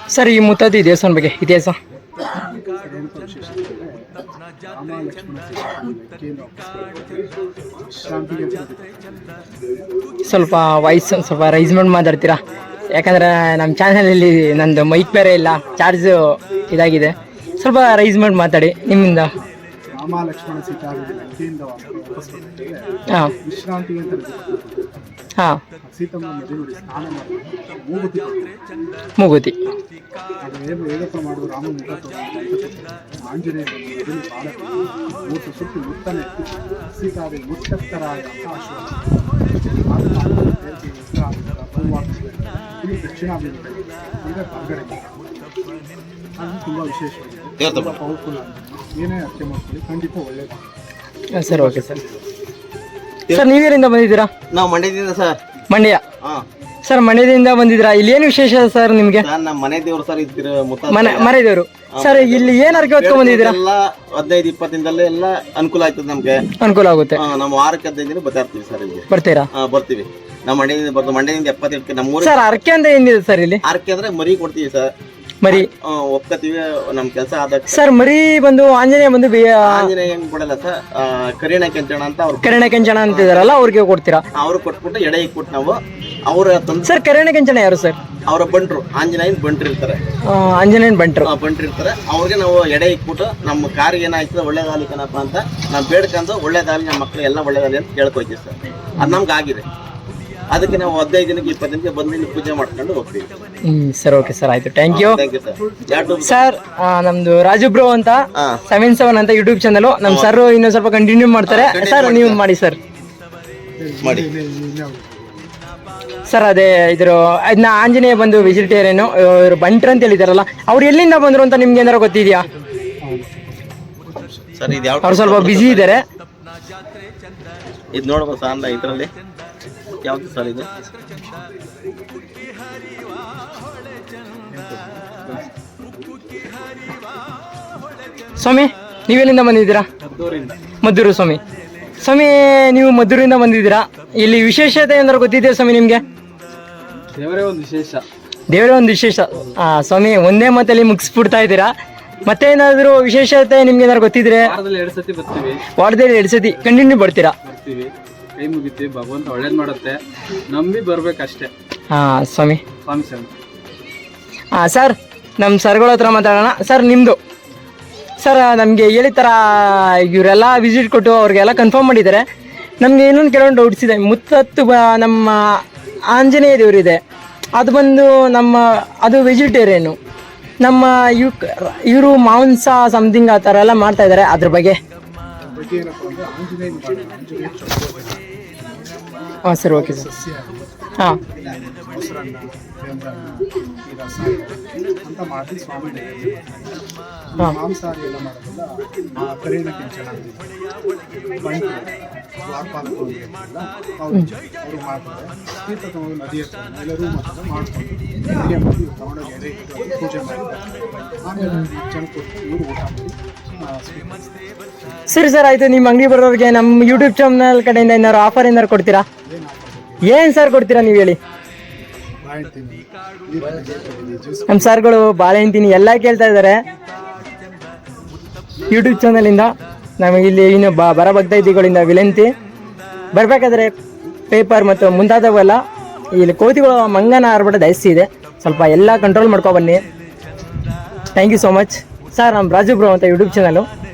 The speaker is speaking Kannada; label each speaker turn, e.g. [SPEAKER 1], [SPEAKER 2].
[SPEAKER 1] ಸರ್ ಈ ಮುತ್ತತ್ತಿ ದೇವಸ್ಥಾನ ಬಗ್ಗೆ ಇತಿಹಾಸ
[SPEAKER 2] ರಾಮ ಲಕ್ಷ್ಮಣ ವಿಶ್ರಾಂತಿಗೆ
[SPEAKER 1] ಸ್ವಲ್ಪ ವಾಯ್ಸ್ ಸ್ವಲ್ಪ ರೈಸ್ ಮಾಡಿ ಮಾತಾಡ್ತೀರಾ? ಯಾಕಂದರೆ ನಮ್ಮ ಚಾನಲಲ್ಲಿ ನಂದು ಮೈಕ್ ಬೇರೆ ಇಲ್ಲ, ಚಾರ್ಜು ಇದಾಗಿದೆ. ಸ್ವಲ್ಪ ರೈಸ್ ಮಾಡಿ ಮಾತಾಡಿ ನಿಮ್ಮಿಂದ.
[SPEAKER 2] ರಾಮ ಲಕ್ಷ್ಮಣ ಸೀತಾ ಲಂಕೆಯಿಂದ ವಾಪಸ್
[SPEAKER 1] ಹಾಂ
[SPEAKER 2] ವಿಶ್ರಾಂತಿ ಅಂತ
[SPEAKER 1] ಹಾಂ
[SPEAKER 2] ಸೀತಮ್ಮ ನದಿ ನೋಡಿ ಸ್ನಾನ ಮಾಡಿ ಮೂಗುತಿ
[SPEAKER 1] ಮೂಗುತಿ
[SPEAKER 2] ಅದು ಹೇಗಪ್ಪ ಮಾಡೋದು ರಾಮ ಮುಖ ಆಂಜನೇಯ ಮೊದಲು ಬಾಳ ಮೂರ್ತಿ ಸುಟ್ಟು ಮುತ್ತನೆ ಸೀತಾದೇವಿ ಮುತ್ತರಾಯ ಇದು ದಕ್ಷಿಣಾಭಿಮುಖ ಅಂದರೆ ಹೊರಗಡೆ ಅದು ತುಂಬ ವಿಶೇಷವಾಗಿದೆ, ತುಂಬ ಪವರ್ಫುಲ್ ಆಗಿದೆ. ಏನೇ ಅರ್ಥ ಮಾಡ್ಕೊಳ್ಳಿ, ಖಂಡಿತ ಒಳ್ಳೆಯದು.
[SPEAKER 1] Sir okay sir. ಸರ್ ನೀವೇರಿಂದ ಬಂದಿದ್ದೀರಾ?
[SPEAKER 3] ನಾವು ಮಂಡ್ಯದಿಂದ ಸರ್.
[SPEAKER 1] ಮಂಡ್ಯ.
[SPEAKER 3] ಹಾಂ
[SPEAKER 1] ಸರ್ ಮಂಡ್ಯದಿಂದ ಬಂದಿದ್ದೀರಾ? ಇಲ್ಲಿ ಏನು ವಿಶೇಷ ಸರ್ ನಿಮಗೆ?
[SPEAKER 3] ಸರ್ ನಮ್ಮ ಮನೆ ದೇವ್ರು ಸರ್ ಇದ್ದಿರ
[SPEAKER 1] ಮನೆ ದೇವರು. ಸರ್ ಇಲ್ಲಿ ಏನು ಅರ್ಕೆ ಹೊತ್ಕೊಂಡ್ ಬಂದಿದ್ದೀರಾ?
[SPEAKER 3] ಎಲ್ಲ 15-20 ದಿನದಲ್ಲೇ ಎಲ್ಲ ಅನುಕೂಲ ಆಯ್ತದೆ ನಮ್ಗೆ,
[SPEAKER 1] ಅನುಕೂಲ ಆಗುತ್ತೆ.
[SPEAKER 3] ನಮ್ಮ ವಾರಕ್ಕೆ 15 ದಿನ ಬರ್ತಾ ಇರ್ತೀವಿ ಸರ್ ಇಲ್ಲಿ.
[SPEAKER 1] ಬರ್ತೀರಾ?
[SPEAKER 3] ಬರ್ತೀವಿ. ನಮ್ಮ ಮಂಡ್ಯದಿಂದ ಬರ್ತೀವಿ. ಮಂಡ್ಯದಿಂದ 70 ನಮ್ಮೂರು.
[SPEAKER 1] ಸರ್ ಅರ್ಕೆ ಅಂತ ಏನಿದೆ ಸರ್ ಇಲ್ಲಿ?
[SPEAKER 3] ಆರ್ಕೆ ಅಂದ್ರೆ ಮರಿ ಕೊಡ್ತೀವಿ ಸರ್,
[SPEAKER 1] ಮರಿ
[SPEAKER 3] ಒಪ್ಕೋತೀವಿ ನಮ್ ಕೆಲಸ ಆದ.
[SPEAKER 1] ಸರ್ ಮರಿ ಬಂದು ಆಂಜನೇಯ ಬಂದು
[SPEAKER 3] ಆಂಜನೇಯ ಹೆಂಗ್ ಕೊಡಲ್ಲ ಸರ್, ಕರಿಣ ಕೆಂಚಣ ಅಂತ ಅವ್ರು
[SPEAKER 1] ಕರೆಣ ಕೆಂಚಣ ಅಂತಿದಾರಲ್ಲ ಅವ್ರಿಗೆ ಕೊಡ್ತೀರಾ?
[SPEAKER 3] ಅವ್ರು ಕೊಟ್ಬಿಟ್ಟು ಎಡೆ ಇಕ್ಬಿಟ್ಟು ನಾವು ಅವ್ರ
[SPEAKER 1] ಸರ್ ಕರೆಣ ಕೆಂಚಣ ಯಾರು ಸರ್?
[SPEAKER 3] ಅವರ ಬಂಟ್ರು, ಆಂಜನೇಯನ್ ಬಂಟ್ರು ಇರ್ತಾರೆ,
[SPEAKER 1] ಆಂಜನೇಯನ್ ಬಂಟ್ರು
[SPEAKER 3] ಇರ್ತಾರೆ. ಅವ್ರಿಗೆ ನಾವು ಎಡೆ ಇಕ್ಬಿಟ್ಟು ನಮ್ಮ ಕಾರಿಗೆ ಏನಾಯ್ತದೆ ಒಳ್ಳೇದಾಗಲಿ ಕಣಪ್ಪ ಅಂತ ನಾವು ಬೇಡ್ಕೊಂಡು ಒಳ್ಳೇದಾಗಲಿ ನಮ್ಮ ಮಕ್ಳು ಎಲ್ಲ ಒಳ್ಳೇದಾಗಲಿ ಅಂತ ಕೇಳ್ಕೊಯ್ತೀವಿ ಸರ್. ಅದು ನಮ್ಗೆ ಆಗಿದೆ. ಅದಕ್ಕೆ ನಾವು 15 ದಿನಕ್ಕೆ 20 ದಿನಕ್ಕೆ ಬಂದು ಇಲ್ಲಿ ಪೂಜೆ ಮಾಡ್ಕೊಂಡು ಹೋಗ್ತೀವಿ.
[SPEAKER 1] ಸರ್ ಓಕೆ ಸರ್, ಆಯ್ತು, ಥ್ಯಾಂಕ್ ಯು
[SPEAKER 3] ಸರ್.
[SPEAKER 1] ಸರ್ ನಮ್ದು ರಾಜು ಬ್ರೋ ಅಂತ 77 ಅಂತ ಯೂಟ್ಯೂಬ್ ಚಾನಲ್. ನಮ್ಮ ಸರ್ ಇನ್ನೊಂದು ಸ್ವಲ್ಪ ಕಂಟಿನ್ಯೂ ಮಾಡ್ತಾರೆ. ಸರ್ ನೀವು ಮಾಡಿ ಸರ್.
[SPEAKER 3] ಮಾಡಿ
[SPEAKER 1] ಸರ್ ಅದೇ ಅದನ್ನ ಆಂಜನೇಯ ಬಂದು ವೆಜಿಟೇರಿಯನ್ ಇವರು ಬಂಟ್ರು ಅಂತ ಹೇಳಿದಾರಲ್ಲ, ಅವ್ರು ಎಲ್ಲಿಂದ ಬಂದ್ರು ಅಂತ ನಿಮ್ಗೆ ಏನಾರು ಗೊತ್ತಿದ್ಯಾ?
[SPEAKER 3] ಸರ್ ಇದು ಯಾವ
[SPEAKER 1] ಅವ್ರು ಸ್ವಲ್ಪ ಬಿಸಿ ಇದ್ದಾರೆ.
[SPEAKER 3] ಇದು ನೋಡ್ಬೋದು ಸರ್, ಅಲ್ಲ ಇದರಲ್ಲಿ ಯಾವ್ದು ಸರ್ ಇದು?
[SPEAKER 1] ಸ್ವಾಮಿ ನೀವೆಲ್ಲಿಂದ ಬಂದಿದ್ದೀರಾ? ಮದ್ದೂರು. ಸ್ವಾಮಿ ನೀವು ಮದ್ದೂರಿಂದ ಬಂದಿದ್ದೀರಾ. ಇಲ್ಲಿ ವಿಶೇಷತೆ ಏನಾದ್ರು ಗೊತ್ತಿದೆಯಾ ಸ್ವಾಮಿ ನಿಮ್ಗೆ?
[SPEAKER 2] ದೇವರೇ ಒಂದು ವಿಶೇಷ.
[SPEAKER 1] ಸ್ವಾಮಿ ಒಂದೇ ಮಾತಲ್ಲಿ ಮುಗಿಸ್ಬಿಡ್ತಾ ಇದ್ದೀರಾ. ಮತ್ತೆ ಏನಾದ್ರು ವಿಶೇಷತೆ ನಿಮ್ಗೆ ಏನಾದ್ರು ಗೊತ್ತಿದ್ರೆ?
[SPEAKER 2] ವಾರದಲ್ಲಿ 2 ಸತಿ ಬರ್ತೀವಿ.
[SPEAKER 1] ವಾರದಲ್ಲಿ 2 ಸತಿ ಕಂಟಿನ್ಯೂ ಬರ್ತೀರಾ?
[SPEAKER 2] ಕೈ ಮುಗಿತೀವಿ, ಭಗವಂತ ಒಳ್ಳೇದು ಮಾಡುತ್ತೆ, ನಂಬಿ ಬರ್ಬೇಕಷ್ಟೇ.
[SPEAKER 1] ಸ್ವಾಮಿ.
[SPEAKER 2] ಸರ್
[SPEAKER 1] ನಮ್ಮ ಸರ್ಗಳ ಹತ್ರ ಮಾತಾಡೋಣ. ಸರ್ ನಿಮ್ಮದು ಸರ್ ನಮಗೆ ಹೇಳಿ ಥರ ಇವರೆಲ್ಲ ವಿಸಿಟ್ ಕೊಟ್ಟು ಅವ್ರಿಗೆಲ್ಲ ಕನ್ಫರ್ಮ್ ಮಾಡಿದ್ದಾರೆ. ನಮಗೆ ಇನ್ನೊಂದು ಕೆಲವೊಂದು ಡೌಟ್ಸ್ ಇದೆ. ಮುತ್ತತ್ತು ನಮ್ಮ ಆಂಜನೇಯ ದೇವರಿದೆ, ಅದು ಬಂದು ಅದು ವೆಜಿಟೇರಿಯನು. ನಮ್ಮ ಇವರು ಮಾಂಸ ಸಮಥಿಂಗ್ ಆ ಥರ ಎಲ್ಲ ಮಾಡ್ತಾ ಇದ್ದಾರೆ, ಅದ್ರ ಬಗ್ಗೆ. ಹಾಂ ಸರ್ ಓಕೆ ಸರ್. ಹಾಂ ಅಂತ ಮಾಡಿ ಸ್ವಾಮಿ ಮಾಂಸಾಹಾರಿ ಎಲ್ಲ ಮಾಡೋದಲ್ಲ, ಕರಿಣ ಕೆಂಚನ ಅವರು ಮಾಡ್ತಾರೆ. ತೀರ್ಥ ತಗೊಂಡು ನದಿ ಹತ್ರ ಎಲ್ಲರೂ ಮಾಡ್ಕೊಂಡು ಅಡುಗೆ ಮಾಡಿ ತಗೊಂಡೋಗಿ ಎಡೆ ಇಟ್ಟು ಪೂಜೆ ಮಾಡ್ತಾರೆ. ಆಮೇಲೆ ಜನ ಕೊಟ್ಟು ಇವರು ಊಟ ಮಾಡಿ. ಸರಿ ಸರ್ ಆಯಿತು. ನಿಮ್ಮ ಅಂಗಡಿ ಬರೋರಿಗೆ ನಮ್ಮ ಯೂಟ್ಯೂಬ್ ಚಾನಲ್ ಕಡೆಯಿಂದ ಏನಾದ್ರು ಆಫರ್ ಏನಾದ್ರು ಕೊಡ್ತೀರಾ? ಏನು ಸರ್ ಕೊಡ್ತೀರಾ ನೀವು ಹೇಳಿ? ನಮ್ಮ ಸರ್ಗಳು ಬಾಳೆಹಣ್ಣು ತಿನ್ನಿ ಎಲ್ಲ ಕೇಳ್ತಾ ಇದ್ದಾರೆ ಯೂಟ್ಯೂಬ್ ಚಾನಲಿಂದ. ನಮಗೆ ಇಲ್ಲಿ ಇನ್ನು ಬರ ಭಕ್ತಾದಿಗಳಿಂದ ವಿನಂತಿ, ಬರಬೇಕಾದ್ರೆ ಪೇಪರ್ ಮತ್ತು ಮುಂತಾದವೆಲ್ಲ ಇಲ್ಲಿ ಕೋತಿಗಳು ಮಂಗನ ಆರ್ಭಟ ಜಾಸ್ತಿ ಇದೆ, ಸ್ವಲ್ಪ ಎಲ್ಲ ಕಂಟ್ರೋಲ್ ಮಾಡ್ಕೊಬನ್ನಿ. Thank you so much sir. ನಮ್ಮ ರಾಜು ಬ್ರೋ ಅಂತ ಯೂಟ್ಯೂಬ್ ಚಾನಲು.